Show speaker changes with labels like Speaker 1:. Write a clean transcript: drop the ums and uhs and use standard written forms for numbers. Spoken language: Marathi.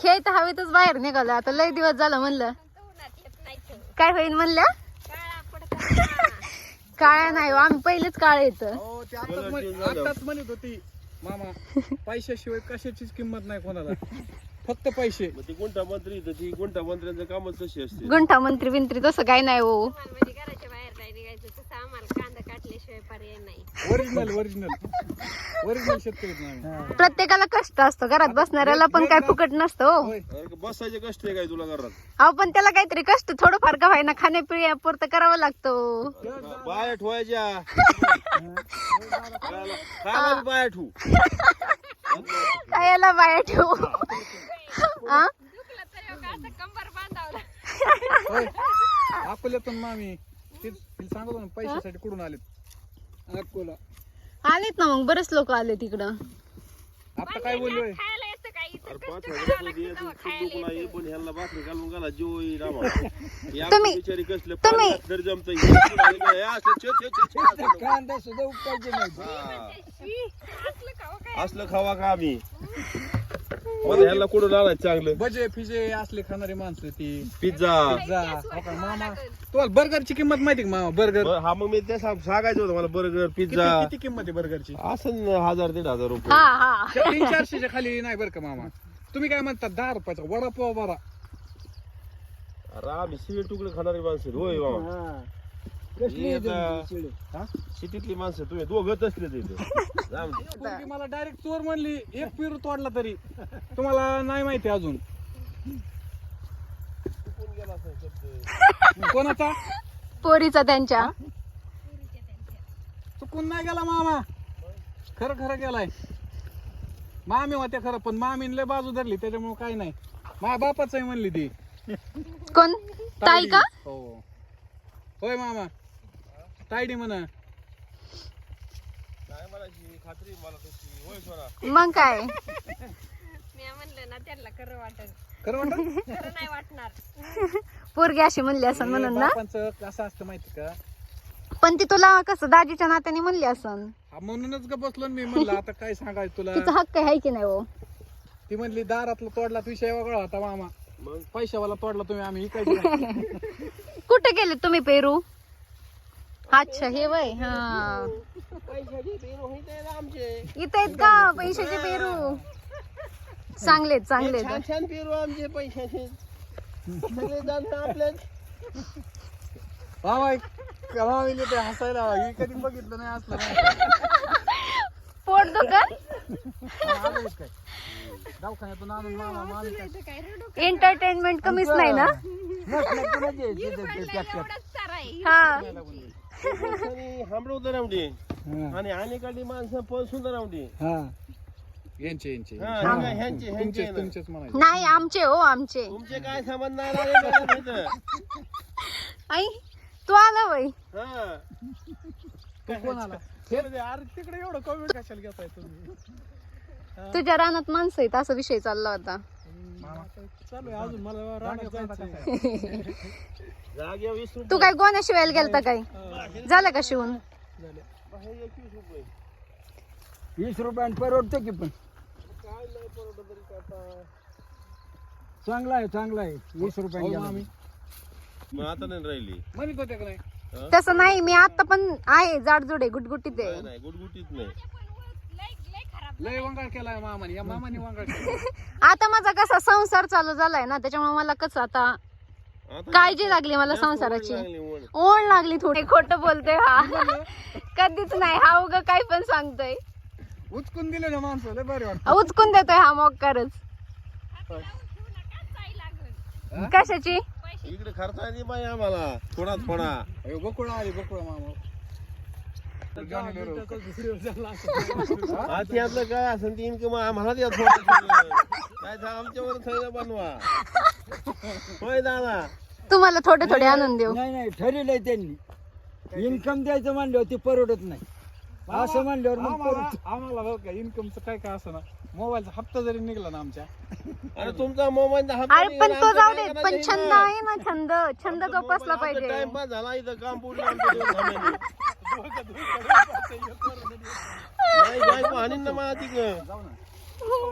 Speaker 1: खेळ तर हवेतच बाहेर निघालं. आता लय दिवस झालं म्हणलं काय होईल म्हणल्या. काळ्या नाही हो, आम्ही पहिलेच काळे येत.
Speaker 2: आताच म्हणत होती मामा पैशाशिवाय कशाचीच किंमत नाही कोणाला, फक्त पैसे.
Speaker 3: ती गुंठा मंत्री ती गुंठा मंत्र्यांचं कामच तशी असते.
Speaker 1: गुंठा मंत्री बिंत्री तसं काही नाही हो.
Speaker 4: घराच्या बाहेर नाही निघायचं तसं आम्हाला कांदा काटल्याशिवाय पर्याय नाही.
Speaker 2: ओरिजिनल शेतकरी आम्ही.
Speaker 1: प्रत्येकाला कष्ट असतं, घरात बसणाऱ्याला पण काय फुकट नसतं हो.
Speaker 3: बसायचे कष्ट आहे काय तुला घरात?
Speaker 1: अहो पण त्याला काहीतरी कष्ट थोडंफार का व्हायना खाण्यापिण्यापुरतं करावं लागतं.
Speaker 3: बाया ठेवायच्या खायला बी बाया ठेवू.
Speaker 1: कायला बाया ठेवू. हा?
Speaker 4: दुखलं तरी असं कंबर बांधावं.
Speaker 2: अकोल्यातून मामी तेच सांगतो ना, पैशासाठी कुठून आलेत अकोला.
Speaker 1: आलेत ना मग बरेच लोक आले तिकडं.
Speaker 2: आता काय बोललोय,
Speaker 4: खायला येतं काही इथं कष्ट
Speaker 3: 5,000
Speaker 4: करावं
Speaker 3: रुपये
Speaker 4: लागतं तेव्हा
Speaker 3: तू
Speaker 4: खायला
Speaker 3: दुखला
Speaker 4: येतं.
Speaker 3: ये, पण ह्याला भाकरी घालून घाला जीव येईल आम्हाला. या
Speaker 1: तुम्ही-
Speaker 3: बिचारी कसले
Speaker 1: तुम्ही-
Speaker 3: पाण्यात तरी जमतं. हे असं छे, छे, छे, छे, असं.
Speaker 2: कांदा सुद्धा उपकायचे नाही.
Speaker 3: हा.
Speaker 4: शी, असलं खावं काय?
Speaker 3: असलं खावा का आम्ही? मला ह्याला कुठून आणायचं चांगलं?
Speaker 2: भजे फिजे असले खाणारी माणसं ती.
Speaker 3: पिझ्झा.
Speaker 2: पिझ्झा हो का मामा, तुम्हाला बर्गरची किंमत माहिती का मामा? बर्गर
Speaker 3: हा मग मी ते सांगायचं होतं मला. बर्गर पिझ्झा
Speaker 2: किती किंमत आहे बर्गरची?
Speaker 3: असं 1,000-1,500 रुपये.
Speaker 1: हा हा
Speaker 2: 300-400च्या खाली नाही बरं का मामा. तुम्ही काय म्हणता 10 रुपयाचा वडापाव बरा.
Speaker 3: अरे आम्ही शिळे तुकडे खाणारी माणसं आहेत. होय बाबा. हे आता सिटीतली माणसं तुम्ही दोघंच असले तिथे.
Speaker 2: पोरगी मला डायरेक्ट चोर म्हणली, एक पेरू तोडला तरी. तुम्हाला नाही माहिती अजून कोणाचा?
Speaker 1: पोरीचा त्यांच्या.
Speaker 2: चुकून नाही गेला मामा, खरं खरं गेलाय. मामी होत्या खरं, पण मामीन लय बाजू धरली त्याच्यामुळे काही नाही. माझ्या बापाच आहे म्हणली ती.
Speaker 1: कोण? ताई का?
Speaker 2: हो होय मामा, तायडी म्हणा.
Speaker 3: काय म्हणायची खात्री मला तशी. होय सोना.
Speaker 1: मग काय
Speaker 4: मी म्हणलं ना त्यांना खरं वाटत,
Speaker 2: खरं म्हणतो.
Speaker 4: खरं नाही वाटणार.
Speaker 1: पोरगी अशी म्हणली असं म्हणून ना.
Speaker 2: बापांचं कसं असतं माहिती का?
Speaker 1: पण ती तुला कसं दाजीच्या नात्याने म्हणली असन.
Speaker 2: हा, म्हणूनच ग बसलो ना मी. म्हणलं आता काय सांगायचं तुला.
Speaker 1: तिचा हक्क आहे की नाही हो.
Speaker 2: ती म्हणली दारातला तोडला विषय वेगळा होता मामा,
Speaker 3: मग
Speaker 2: पैशावाला तोडला तुम्ही, आम्ही इकायचं.
Speaker 1: कुठे गेले तुम्ही पेरू? अच्छा हे वय. हा इथे आहेत का पैशाचे पेरू? चांगलेत चांगलेत.
Speaker 3: छान पेरू आमचे पैशाचे सगळे जाणं आपल्या.
Speaker 2: मामा ते हसायला हे कधी बघितलं नाही असलं.
Speaker 1: पोट दुकान
Speaker 2: काय दवाखान्यातून आणून मामा मामी काय
Speaker 1: एंटरटेनमेंट कमीच नाही ना.
Speaker 4: एवढंच सारं आहे.
Speaker 1: हा
Speaker 3: हांबडवतं रावडी आणि अनेकांनी माणसं पण सुंदर रावडी.
Speaker 2: यांचे यांचे
Speaker 3: ह्यांचे
Speaker 2: तुमचेच म्हणायचे.
Speaker 1: नाही आमचे हो आमचे.
Speaker 3: तुमचे काय संबंध नाही राहिले मला तिथं.
Speaker 1: आई तू आला वय.
Speaker 3: हा.
Speaker 2: कोण आला? अरे तिकडे एवढं कमी कशाला घेताय तुम्ही?
Speaker 1: तुझ्या रानात माणसं आहेत असा विषय चालला होता.
Speaker 2: चालू आहे अजून मला रानात जायचं.
Speaker 3: जाग्या 20 रुपये.
Speaker 1: तू काय गोण्या शिवायला गेलता काय? झालं का शिवून?
Speaker 5: 20 रुपयाने परवडतो की, पण चांगला आहे 20 रुपयाने.
Speaker 3: मग आता नाही राहिली.
Speaker 2: म्हणत होते का नाही?
Speaker 1: तसं नाही, मी आता पण आहे जाडजुडे गुटगुटीत आहे.
Speaker 3: नाही गुडगुटीत नाही.
Speaker 4: लय खराब.
Speaker 2: लय वंगाळ केलाय मामाने. या मामाने वंगाळ केला.
Speaker 1: आता माझा कसा संसार चालू झालाय ना, त्याच्यामुळे मला कसं आता
Speaker 3: आता
Speaker 1: काळजी लागली मला संसाराची.
Speaker 3: लागली ओढ.
Speaker 1: ओढ लागली थोडी. खोटं बोलतोय हा. कधीच नाही हा उग काही पण सांगतोय.
Speaker 2: उचकून दिले ना माणसं, लय भारी वाटत.
Speaker 1: उचकून देतोय हा मोकारच. कशाची?
Speaker 3: इकडे खर्च आहे बाई आम्हाला थोडा थोडा.
Speaker 2: बकुळा आली बकुळा मामा.
Speaker 3: आधी आपलं काय असेल ती इन्कम आम्हाला द्या थोडं. काय आमच्यावर सगळं बनवा. होय दादा.
Speaker 1: तुम्हाला थोडे थोडे आणून देऊ.
Speaker 5: नाही ठरवलंय त्यांनी. इन्कम द्यायचं म्हणल्यावर ते परवडत नाही. असं म्हणल्यावर मग
Speaker 2: आम्हाला बघ का इन्कमचं काय काय असं ना, मोबाईलचा हप्ता जरी निघला ना आमच्या.
Speaker 3: अरे तुमचा मोबाईल
Speaker 1: अरे पण तो जाऊ दे, पण छंद आहे ना. छंद जोपासला पाहिजे.
Speaker 3: टाइमपास झाला इथं काम पूर्ण आमच्या दोन धाम्याने. नाही बायको हाणीन ना मला तिकडं.